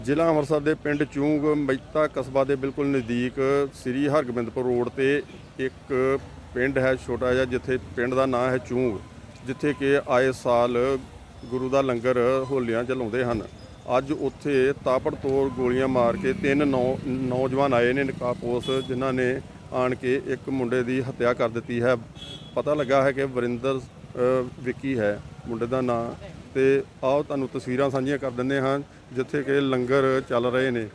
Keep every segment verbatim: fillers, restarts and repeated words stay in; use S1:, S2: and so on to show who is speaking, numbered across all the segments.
S1: ਜ਼ਿਲ੍ਹਾ ਅੰਮ੍ਰਿਤਸਰ ਦੇ ਪਿੰਡ ਚੂੰਗ ਮਹਿਤਾ ਕਸਬਾ ਦੇ ਬਿਲਕੁਲ ਨਜ਼ਦੀਕ ਸ੍ਰੀ ਹਰਗੋਬਿੰਦਪੁਰ ਰੋਡ ਤੇ ਇੱਕ ਪਿੰਡ ਹੈ ਛੋਟਾ ਜਿਹਾ, ਜਿੱਥੇ ਪਿੰਡ ਦਾ ਨਾਂ ਹੈ ਚੂੰਗ, ਜਿੱਥੇ ਕਿ ਆਏ ਸਾਲ ਗੁਰੂ ਦਾ ਲੰਗਰ ਹੋਲੀਆਂ 'ਚ ਲਾਉਂਦੇ ਹਨ। ਅੱਜ ਉੱਥੇ ਤਾਬੜਤੋੜ ਗੋਲੀਆਂ ਮਾਰ ਕੇ ਤਿੰਨ ਨੌ ਨੌਜਵਾਨ ਆਏ ਨੇ ਨਕਾਬਪੋਸ਼, ਜਿਨ੍ਹਾਂ ਨੇ ਆਣ ਕੇ ਇੱਕ ਮੁੰਡੇ ਦੀ ਹੱਤਿਆ ਕਰ ਦਿੱਤੀ ਹੈ। ਪਤਾ ਲੱਗਾ ਹੈ ਕਿ ਵਰਿੰਦਰ ਵਿੱਕੀ ਹੈ ਮੁੰਡੇ ਦਾ ਨਾਂ। ਤੇ ਆਓ ਤੁਹਾਨੂੰ ਤਸਵੀਰਾਂ ਸਾਂਝੀਆਂ ਕਰ ਦਿੰਦੇ ਹਾਂ ਜਿੱਥੇ ਕਿ ਲੰਗਰ ਚੱਲ ਰਹੇ ਨੇ।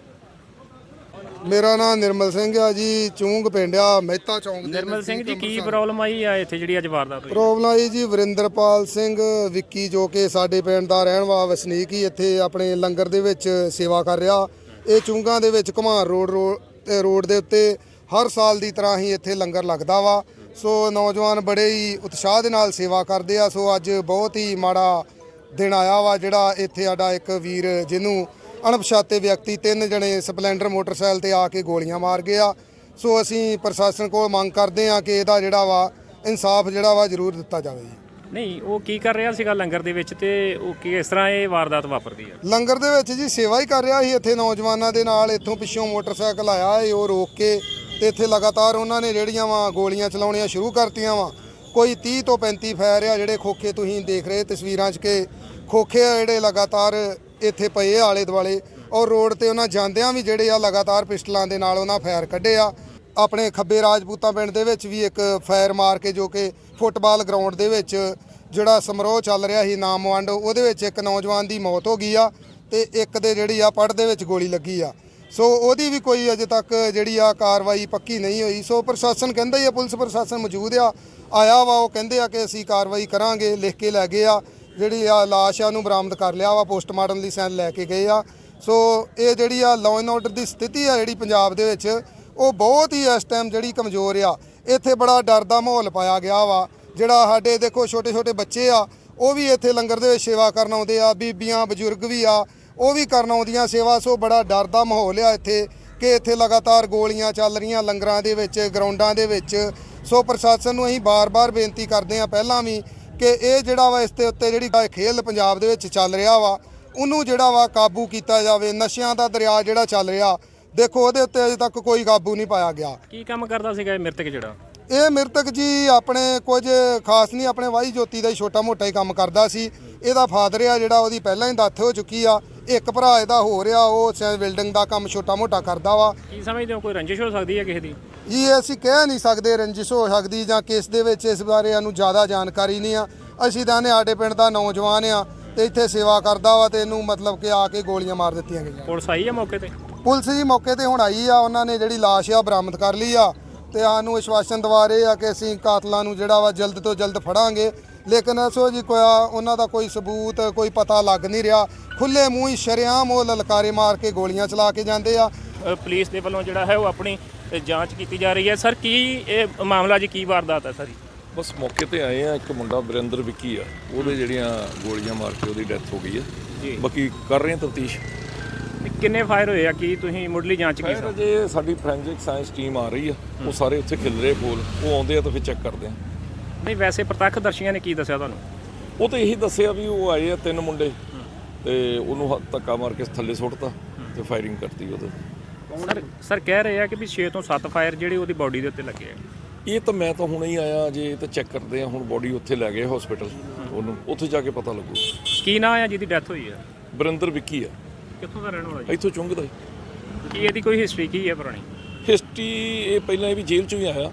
S2: ਮੇਰਾ ਨਾਮ ਨਿਰਮਲ ਸਿੰਘ ਆ ਜੀ, ਚੂੰਗ ਪਿੰਡ ਆ ਮਹਿਤਾ ਚੌਂਕ ਦੇ।
S3: ਨਿਰਮਲ ਸਿੰਘ ਜੀ, ਕੀ ਪ੍ਰੋਬਲਮ ਆਈ ਆ ਇੱਥੇ ਜਿਹੜੀ ਅੱਜ ਵਾਰਦਾਤ ਹੋਈ?
S2: ਪ੍ਰੋਬਲਮ ਆਈ ਜੀ, ਵਰਿੰਦਰਪਾਲ ਸਿੰਘ ਵਿੱਕੀ ਜੋ ਕਿ ਸਾਡੇ ਪਿੰਡ ਦਾ ਰਹਿਣ ਵਾਲਾ ਵਸਨੀਕ ਹੀ ਇੱਥੇ ਆਪਣੇ ਲੰਗਰ ਦੇ ਵਿੱਚ ਸੇਵਾ ਕਰ ਰਿਹਾ। ਇਹ ਚੂੰਗਾਂ ਦੇ ਵਿੱਚ ਘੁਮਾਰ ਰੋਡ ਰੋਡ ਦੇ ਉੱਤੇ ਹਰ ਸਾਲ ਦੀ ਤਰ੍ਹਾਂ ਹੀ ਇੱਥੇ ਲੰਗਰ ਲੱਗਦਾ ਵਾ। ਸੋ ਨੌਜਵਾਨ ਬੜੇ ਹੀ ਉਤਸ਼ਾਹ ਦੇ ਨਾਲ ਸੇਵਾ ਕਰਦੇ ਆ। ਸੋ ਅੱਜ ਬਹੁਤ ਹੀ ਮਾੜਾ ਦਿਨ ਆਇਆ ਵਾ, ਜਿਹੜਾ ਇੱਥੇ ਸਾਡਾ ਇੱਕ ਵੀਰ ਜਿਹਨੂੰ ਅਣਪਛਾਤੇ ਵਿਅਕਤੀ ਤਿੰਨ ਜਣੇ ਸਪਲੈਂਡਰ ਮੋਟਰਸਾਈਕਲ ਤੇ ਆ ਕੇ ਗੋਲੀਆਂ ਮਾਰ ਗਏ ਆ। ਸੋ ਅਸੀਂ ਪ੍ਰਸ਼ਾਸਨ ਕੋਲ ਮੰਗ ਕਰਦੇ ਆ ਕਿ ਇਹਦਾ ਜਿਹੜਾ ਵਾ ਇਨਸਾਫ ਜਿਹੜਾ ਵਾ ਜ਼ਰੂਰ ਦਿੱਤਾ ਜਾਵੇ ਜੀ।
S3: ਨਹੀਂ, ਉਹ ਕੀ ਕਰ ਰਿਹਾ ਸੀਗਾ ਲੰਗਰ ਦੇ ਵਿੱਚ ਤੇ ਉਹ ਕਿਸ ਤਰ੍ਹਾਂ ਇਹ ਵਾਰਦਾਤ ਵਾਪਰਦੀ ਆ?
S2: ਲੰਗਰ ਦੇ ਵਿੱਚ ਜੀ ਸੇਵਾ ਹੀ ਕਰ ਰਿਹਾ ਸੀ ਇੱਥੇ ਨੌਜਵਾਨਾਂ ਦੇ ਨਾਲ। ਇੱਥੋਂ ਪਿੱਛੋਂ ਮੋਟਰਸਾਈਕਲ ਆਇਆ ਏ, ਉਹ ਰੋਕ ਕੇ ਤੇ ਇੱਥੇ ਲਗਾਤਾਰ ਉਹਨਾਂ ਨੇ ਜਿਹੜੀਆਂ ਵਾ ਗੋਲੀਆਂ ਚਲਾਉਣੀਆਂ ਸ਼ੁਰੂ ਕਰਤੀਆਂ ਵਾ। ਕੋਈ ਤੀਹ ਤੋਂ ਪੈਂਤੀ ਫਾਇਰ ਆ, ਜਿਹੜੇ ਖੋਖੇ ਤੁਸੀਂ ਦੇਖ ਰਹੇ ਤਸਵੀਰਾਂ 'ਚ ਕਿ ਖੋਖੇ ਆ ਜਿਹੜੇ ਲਗਾਤਾਰ ਇੱਥੇ ਪਏ ਆਲੇ ਦੁਆਲੇ, ਔਰ ਰੋਡ ਤੇ ਉਹਨਾਂ ਜਾਂਦਿਆਂ ਵੀ ਜਿਹੜੇ ਆ ਲਗਾਤਾਰ ਪਿਸਟਲਾਂ ਦੇ ਨਾਲ ਉਹਨਾਂ ਫਾਇਰ ਕੱਢੇ ਆ। ਆਪਣੇ ਖੱਬੇ ਰਾਜਪੂਤਾਂ ਪਿੰਡ ਦੇ ਵਿੱਚ ਵੀ ਇੱਕ ਫਾਇਰ ਮਾਰ ਕੇ, ਜੋ ਕਿ ਫੁੱਟਬਾਲ ਗਰਾਊਂਡ ਦੇ ਵਿੱਚ ਜਿਹੜਾ ਸਮਾਰੋਹ ਚੱਲ ਰਿਹਾ ਸੀ ਨਾਮ ਵੰਡ, ਉਹਦੇ ਵਿੱਚ ਇੱਕ ਨੌਜਵਾਨ ਦੀ ਮੌਤ ਹੋ ਗਈ ਆ ਤੇ ਇੱਕ ਦੇ ਜਿਹੜੀ ਆ ਪੜ ਦੇ ਵਿੱਚ ਗੋਲੀ ਲੱਗੀ ਆ। ਸੋ ਉਹਦੀ ਵੀ ਕੋਈ ਅਜੇ ਤੱਕ ਜਿਹੜੀ ਆ ਕਾਰਵਾਈ ਪੱਕੀ ਨਹੀਂ ਹੋਈ। ਸੋ ਪ੍ਰਸ਼ਾਸਨ ਕਹਿੰਦਾ ਹੀ ਆ, ਪੁਲਿਸ ਪ੍ਰਸ਼ਾਸਨ ਮੌਜੂਦ ਆ ਆਇਆ ਵਾ, ਉਹ ਕਹਿੰਦੇ ਆ ਕਿ ਅਸੀਂ ਕਾਰਵਾਈ ਕਰਾਂਗੇ, ਲਿਖ ਕੇ ਲੈ ਗਏ ਆ। ਜਿਹੜੀ ਆ ਲਾਸ਼ ਆ ਉਹਨੂੰ ਬਰਾਮਦ ਕਰ ਲਿਆ ਵਾ, ਪੋਸਟਮਾਰਟਮ ਲਈ ਸੈਂਡ ਲੈ ਕੇ ਗਏ ਆ। ਸੋ ਇਹ ਜਿਹੜੀ ਆ ਲਾਅ ਐਂਡ ਆਰਡਰ ਦੀ ਸਥਿਤੀ ਆ ਜਿਹੜੀ ਪੰਜਾਬ ਦੇ ਵਿੱਚ, ਉਹ ਬਹੁਤ ਹੀ ਇਸ ਟਾਈਮ ਜਿਹੜੀ ਕਮਜ਼ੋਰ ਆ। ਇੱਥੇ ਬੜਾ ਡਰ ਦਾ ਮਾਹੌਲ ਪਾਇਆ ਗਿਆ ਵਾ। ਜਿਹੜਾ ਸਾਡੇ ਦੇਖੋ ਛੋਟੇ ਛੋਟੇ ਬੱਚੇ ਆ, ਉਹ ਵੀ ਇੱਥੇ ਲੰਗਰ ਦੇ ਵਿੱਚ ਸੇਵਾ ਕਰਨ ਆਉਂਦੇ ਆ, ਬੀਬੀਆਂ ਬਜ਼ੁਰਗ ਵੀ ਆ, ਉਹ ਵੀ ਕਰਨ ਆਉਂਦੀਆਂ ਸੇਵਾ। ਸੋ ਬੜਾ ਡਰ ਦਾ ਮਾਹੌਲ ਆ ਇੱਥੇ ਕਿ ਇੱਥੇ ਲਗਾਤਾਰ ਗੋਲੀਆਂ ਚੱਲ ਰਹੀਆਂ ਲੰਗਰਾਂ ਦੇ ਵਿੱਚ, ਗਰਾਊਂਡਾਂ ਦੇ ਵਿੱਚ। ਸੋ ਪ੍ਰਸ਼ਾਸਨ ਨੂੰ ਅਸੀਂ ਬਾਰ-ਬਾਰ ਬੇਨਤੀ ਕਰਦੇ ਹਾਂ ਪਹਿਲਾਂ ਵੀ ਕਿ ਇਹ ਜਿਹੜਾ ਵਾ ਇਸ ਦੇ ਉੱਤੇ ਜਿਹੜੀ ਖੇਲ ਪੰਜਾਬ ਦੇ ਵਿੱਚ ਚੱਲ ਰਿਹਾ ਵਾ, ਉਹਨੂੰ ਜਿਹੜਾ ਵਾ ਕਾਬੂ ਕੀਤਾ ਜਾਵੇ। ਨਸ਼ਿਆਂ ਦਾ ਦਰਿਆ ਜਿਹੜਾ ਚੱਲ ਰਿਹਾ, ਦੇਖੋ ਉਹਦੇ ਉੱਤੇ ਅਜੇ ਤੱਕ ਕੋਈ ਕਾਬੂ ਨਹੀਂ ਪਾਇਆ ਗਿਆ।
S3: ਕੀ ਕੰਮ ਕਰਦਾ ਸੀਗਾ ਇਹ ਮ੍ਰਿਤਕ ਜਿਹੜਾ?
S2: ਇਹ ਮ੍ਰਿਤਕ ਜੀ ਆਪਣੇ ਕੁਝ ਖਾਸ ਨਹੀਂ, ਆਪਣੇ ਵਾਹੀ ਜੋਤੀ ਦਾ ਹੀ ਛੋਟਾ ਮੋਟਾ ਹੀ ਕੰਮ ਕਰਦਾ ਸੀ। ਇਹਦਾ ਫਾਦਰ ਆ ਜਿਹੜਾ, ਉਹਦੀ ਪਹਿਲਾਂ ਹੀ ਡੈਥ ਹੋ ਚੁੱਕੀ ਆ। ਇੱਕ ਭਰਾ ਇਹਦਾ ਹੋ ਰਿਹਾ, ਉਹ ਬਿਲਡਿੰਗ ਦਾ ਕੰਮ ਛੋਟਾ ਮੋਟਾ ਕਰਦਾ ਵਾ।
S3: ਕੀ ਸਮਝਦੇ ਹੋ, ਕੋਈ ਰੰਜਿਸ਼ ਹੋ ਸਕਦੀ ਹੈ ਕਿਸੇ ਦੀ?
S2: ਜੀ ਅਸੀਂ ਕਹਿ ਨਹੀਂ ਸਕਦੇ ਰੰਜਿਸ਼ ਹੋ ਸਕਦੀ ਜਾਂ ਕਿਸ ਦੇ ਵਿੱਚ, ਇਸ ਬਾਰੇ ਸਾਨੂੰ ਜ਼ਿਆਦਾ ਜਾਣਕਾਰੀ ਨਹੀਂ ਆ। ਅਸੀਂ ਤਾਂ ਨੇ ਸਾਡੇ ਪਿੰਡ ਦਾ ਨੌਜਵਾਨ ਆ ਤੇ ਇੱਥੇ ਸੇਵਾ ਕਰਦਾ ਵਾ, ਤੇ ਇਹਨੂੰ ਮਤਲਬ ਕਿ ਆ ਕੇ ਗੋਲੀਆਂ ਮਾਰ ਦਿੱਤੀਆਂ ਗਈਆਂ।
S3: ਪੁਲਿਸ ਆਈ ਆ ਮੌਕੇ ਤੇ?
S2: ਪੁਲਿਸ ਜੀ ਮੌਕੇ ਤੇ ਹੁਣ ਆਈ ਆ, ਉਹਨਾਂ ਨੇ ਜਿਹੜੀ ਲਾਸ਼ ਆ ਬਰਾਮਦ ਕਰ ਲਈ ਆ ਤੇ ਸਾਨੂੰ ਵਿਸ਼ਵਾਸਨ ਦਵਾ ਰਹੇ ਆ ਕਿ ਅਸੀਂ ਕਾਤਲਾਂ ਨੂੰ ਜਿਹੜਾ ਵਾ ਜਲਦ ਤੋਂ ਜਲਦ ਫੜਾਂਗੇ। ਲੇਕਿਨ ਅਸੋ ਜੀ ਕੋਈ ਉਹਨਾਂ ਦਾ ਕੋਈ ਸਬੂਤ ਕੋਈ ਪਤਾ ਲੱਗ ਨਹੀਂ ਰਿਹਾ। ਖੁੱਲੇ ਮੂੰਹ ਹੀ ਸ਼ਰੇਆਮ ਉਹ ਲਲਕਾਰੇ ਮਾਰ ਕੇ ਗੋਲੀਆਂ ਚਲਾ ਕੇ ਜਾਂਦੇ ਆ।
S3: ਪੁਲਿਸ ਦੇ ਵੱਲੋਂ ਜਿਹੜਾ ਹੈ ਉਹ ਆਪਣੀ ਜਾਂਚ ਕੀਤੀ ਜਾ ਰਹੀ ਹੈ। ਸਰ, ਕੀ ਇਹ ਮਾਮਲਾ ਜੀ, ਕੀ ਵਾਰਦਾਤ ਹੈ ਸਰ?
S4: ਬਸ ਮੌਕੇ ਤੇ ਆਏ ਆ, ਇੱਕ ਮੁੰਡਾ ਵਰਿੰਦਰ ਵਿੱਕੀ ਆ, ਉਹਦੇ ਜਿਹੜੀਆਂ ਗੋਲੀਆਂ ਮਾਰ ਕੇ ਉਹਦੀ ਡੈਥ ਹੋ ਗਈ ਆ ਜੀ। ਬਾਕੀ ਕਰ ਰਹੇ ਆ ਤਫਤੀਸ਼।
S3: ਕਿੰਨੇ ਫਾਇਰ ਹੋਏ ਆ, ਕੀ ਤੁਸੀਂ ਮੁੱਢਲੀ ਜਾਂਚ ਕੀ?
S4: ਸਰ ਜੇ ਸਾਡੀ ਫੋਰੈਂਸਿਕ ਸਾਇੰਸ ਟੀਮ ਆ ਰਹੀ ਆ, ਉਹ ਸਾਰੇ ਉੱਥੇ ਖਿਲ ਰਹੇ ਕੋਲ, ਉਹ ਆਉਂਦੇ ਆ ਤਾਂ ਫਿਰ ਚੈੱਕ ਕਰਦੇ ਆ।
S3: ਨਹੀਂ, ਵੈਸੇ ਪ੍ਰਤੱਖ ਦਰਸ਼ੀਆਂ ਨੇ ਕੀ ਦੱਸਿਆ ਤੁਹਾਨੂੰ?
S4: ਉਹ ਤਾਂ ਇਹੀ ਦੱਸਿਆ ਵੀ ਉਹ ਆਏ ਆ ਤਿੰਨ ਮੁੰਡੇ ਤੇ ਉਹਨੂੰ ਧੱਕਾ ਮਾਰ ਕੇ ਥੱਲੇ ਸੁੱਟਤਾ ਤੇ ਫਾਇਰਿੰਗ ਕਰਤੀ ਉਹਦੇ।
S3: ਸਰ ਸਰ ਕਹਿ ਰਹੇ ਆ ਕਿ ਵੀ ਛੇ ਤੋਂ ਸੱਤ ਫਾਇਰ ਜਿਹੜੇ ਉਹਦੀ ਬਾਡੀ ਦੇ ਉੱਤੇ ਲੱਗੇ ਆ।
S4: ਇਹ ਤਾਂ ਮੈਂ ਤਾਂ ਹੁਣੇ ਹੀ ਆਇਆ ਜੇ, ਤਾਂ ਚੈੱਕ ਕਰਦੇ ਆ। ਹੁਣ ਬਾਡੀ ਉੱਥੇ ਲੈ ਗਏ ਹਸਪੀਟਲ, ਉਹਨੂੰ ਉੱਥੇ ਜਾ ਕੇ ਪਤਾ ਲੱਗੂ।
S3: ਕੀ ਨਾਂ ਆ ਜਿਹਦੀ ਡੈਥ ਹੋਈ ਆ?
S4: ਵਰਿੰਦਰ ਵਿੱਕੀ ਆ।
S3: ਕਿੱਥੋਂ ਦਾ ਰਹਿਣ ਵਾਲਾ ਜੀ?
S4: ਇੱਥੋਂ ਚੁੰਗਦਾ ਹੀ।
S3: ਕੀ ਇਹਦੀ ਕੋਈ ਹਿਸਟਰੀ ਕੀ ਹੈ ਪੁਰਾਣੀ?
S4: ਹਿਸਟਰੀ ਇਹ ਪਹਿਲਾਂ ਇਹ ਵੀ ਜੇਲ੍ਹ ਚੋਂ ਹੀ ਆਇਆ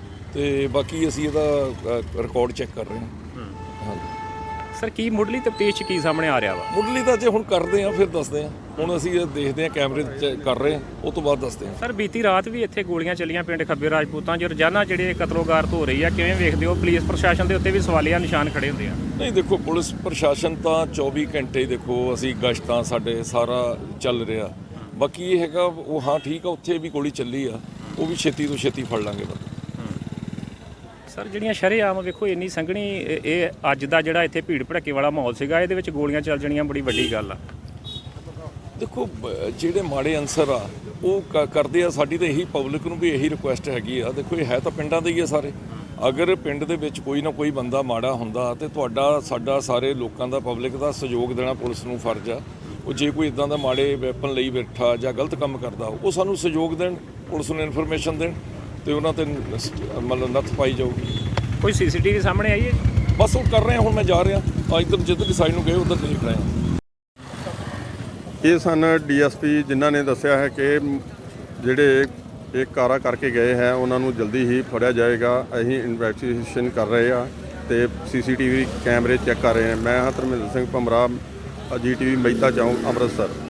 S4: ਤੇ ਬਾਕੀ ਅਸੀਂ ਇਹਦਾ ਰਿਕਾਰਡ ਚੈੱਕ ਕਰ ਰਹੇ ਹਾਂ। ਹਾਂਜੀ
S3: ਸਰ, ਕੀ ਮੁੱਢਲੀ ਤਫਤੀਸ਼ 'ਚ ਕੀ ਸਾਹਮਣੇ ਆ ਰਿਹਾ ਵਾ?
S4: ਮੁੱਢਲੀ ਤਾਂ ਜੇ ਹੁਣ ਕਰਦੇ ਆ ਫਿਰ ਦੱਸਦੇ ਆ। ਹੁਣ ਅਸੀਂ ਇਹ ਦੇਖਦੇ ਆ, ਕੈਮਰੇ ਚੈੱਕ ਕਰ ਰਹੇ ਆ, ਉਹ ਤੋਂ ਬਾਅਦ ਦੱਸਦੇ ਆ।
S3: ਸਰ, ਬੀਤੀ ਰਾਤ ਵੀ ਇੱਥੇ ਗੋਲੀਆਂ ਚੱਲੀਆਂ ਪਿੰਡ ਖੱਬੇ ਰਾਜਪੂਤਾਂ 'ਚ, ਰੋਜ਼ਾਨਾ ਜਿਹੜੇ ਕਤਲੋਗਾਰਤ ਹੋ ਰਹੀ ਆ, ਕਿਵੇਂ ਵੇਖਦੇ ਹੋ? ਪੁਲਿਸ ਪ੍ਰਸ਼ਾਸਨ ਦੇ ਉੱਤੇ ਵੀ ਸਵਾਲੀਆ ਨਿਸ਼ਾਨ ਖੜੇ ਹੁੰਦੇ ਆ।
S4: ਨਹੀਂ ਦੇਖੋ, ਪੁਲਿਸ ਪ੍ਰਸ਼ਾਸਨ ਤਾਂ ਚੌਵੀ ਘੰਟੇ ਦੇਖੋ ਅਸੀਂ ਗਸ਼ਤਾਂ ਸਾਡੇ ਸਾਰਾ ਚੱਲ ਰਿਹਾ। ਬਾਕੀ ਇਹ ਹੈਗਾ ਉਹ ਹਾਂ ਠੀਕ ਆ, ਉੱਥੇ ਵੀ ਗੋਲੀ ਚੱਲੀ ਆ, ਉਹ ਵੀ ਛੇਤੀ ਤੋਂ ਛੇਤੀ ਫੜ ਲਾਂਗੇ ਬੰਦਾ।
S3: ਸਰ, ਜਿਹੜੀਆਂ ਸ਼ਰੇਆਮ ਵੇਖੋ ਇੰਨੀ ਸੰਘਣੀ ਇਹ ਅੱਜ ਦਾ ਜਿਹੜਾ ਇੱਥੇ ਭੀੜ ਭੜੱਕੇ ਵਾਲਾ ਮਾਹੌਲ ਸੀਗਾ, ਇਹਦੇ ਵਿੱਚ ਗੋਲੀਆਂ ਚੱਲ ਜਾਣੀਆਂ ਬੜੀ ਵੱਡੀ ਗੱਲ ਆ।
S4: ਦੇਖੋ ਜਿਹੜੇ ਮਾੜੇ ਅਨਸਰ ਆ ਉਹ ਕਰਦੇ ਆ। ਸਾਡੀ ਤਾਂ ਇਹੀ ਪਬਲਿਕ ਨੂੰ ਵੀ ਇਹੀ ਰਿਕੁਐਸਟ ਹੈਗੀ ਆ। ਦੇਖੋ ਇਹ ਹੈ ਤਾਂ ਪਿੰਡਾਂ ਦੇ ਹੀ ਆ ਸਾਰੇ। ਅਗਰ ਪਿੰਡ ਦੇ ਵਿੱਚ ਕੋਈ ਨਾ ਕੋਈ ਬੰਦਾ ਮਾੜਾ ਹੁੰਦਾ ਤੇ ਤੁਹਾਡਾ ਸਾਡਾ ਸਾਰੇ ਲੋਕਾਂ ਦਾ ਪਬਲਿਕ ਦਾ ਸਹਿਯੋਗ ਦੇਣਾ ਪੁਲਿਸ ਨੂੰ ਫਰਜ਼ ਆ। ਉਹ ਜੇ ਕੋਈ ਇਦਾਂ ਦਾ ਮਾੜੇ ਵੈਪਨ ਲਈ ਬੈਠਾ ਜਾਂ ਗਲਤ ਕੰਮ ਕਰਦਾ ਉਹ ਸਾਨੂੰ ਸਹਿਯੋਗ ਦੇਣ, ਪੁਲਿਸ ਨੂੰ ਇਨਫੋਰਮੇਸ਼ਨ ਦੇਣ ਤੇ ਉਹਨਾਂ ਤੇ ਨਸ- ਮਤਲਬ ਨੱਥ ਪਾਈ ਜਾਊਗੀ।
S3: ਕੋਈ ਸੀਸੀਟੀਵੀ ਸਾਹਮਣੇ ਆਈ ਹੈ ਜੀ?
S4: ਬਸ ਉਹ ਕਰ ਰਹੇ ਹਾਂ, ਹੁਣ ਮੈਂ ਜਾ ਰਿਹਾ ਅੱਜ ਤੱਕ ਜਿੱਧਰ ਸਾਈਡ ਨੂੰ ਗਏ ਉਧਰ ਦੇਖ ਰਹੇ ਹਾਂ।
S1: ਇਹ ਸਨ ਡੀਐਸਪੀ ਜਿਨ੍ਹਾਂ ਨੇ ਦੱਸਿਆ ਹੈ ਕਿ ਜਿਹੜੇ ਇਹ ਕਾਰਾ ਕਰਕੇ ਗਏ ਹੈ ਉਹਨਾਂ ਨੂੰ ਜਲਦੀ ਹੀ ਫੜਿਆ ਜਾਏਗਾ। ਅਸੀਂ ਇਨਵੈਸਟੀਗੇਸ਼ਨ ਕਰ ਰਹੇ ਆ ਤੇ ਸੀਸੀਟੀਵੀ ਕੈਮਰੇ ਚੈੱਕ ਕਰ ਰਹੇ ਹਾਂ। ਮੈਂ ਹਾਂ Dharmendra Singh ਭੰਮਰਾ, G T V Mehta ਚੌਂਕ, ਅੰਮ੍ਰਿਤਸਰ।